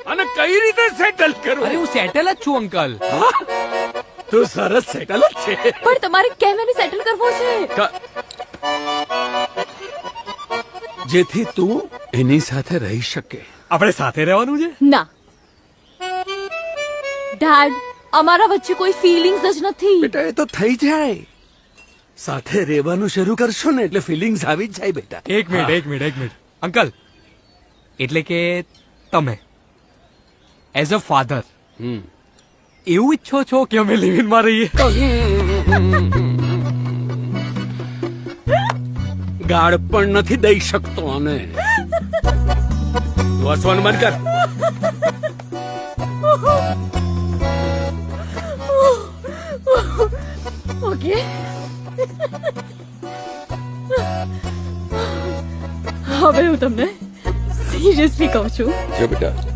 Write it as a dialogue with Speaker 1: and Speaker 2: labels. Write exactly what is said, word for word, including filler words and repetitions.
Speaker 1: અને કઈ રીતે સેટલ કરું?
Speaker 2: અરે હું સેટલ જ છું અંકલ.
Speaker 1: તું સરસ સેટલ જ છે.
Speaker 3: પણ તમારે કેમ એને સેટલ કરવો છે?
Speaker 1: ક- જેથી તું એની સાથે રહી શકે.
Speaker 2: આપણે સાથે રહેવાનું છે.
Speaker 3: ના ડેડ, અમારા વચ્ચે કોઈ ફીલિંગ્સ જ નથી.
Speaker 1: બેટા એ તો થઈ જાય. સાથે રહેવાનું શરૂ કરશો ને એટલે ફિલિંગ્સ આવી જ જાય બેટા.
Speaker 2: એક મિનિટ એક મિનિટ એક મિનિટ અંકલ, એટલે કે તમે એઝ અ ફાધર
Speaker 1: હમ.
Speaker 2: એવું ઈચ્છો છો કે અમે લિવ ઇનમાં રહીએ?
Speaker 1: ગાળ પણ નથી દઈ શકતો અને તું હસવાનું બંધ કર.
Speaker 3: ઓકે હવે હું તમને સિરિયસલી કહું છું.
Speaker 1: જો બેટા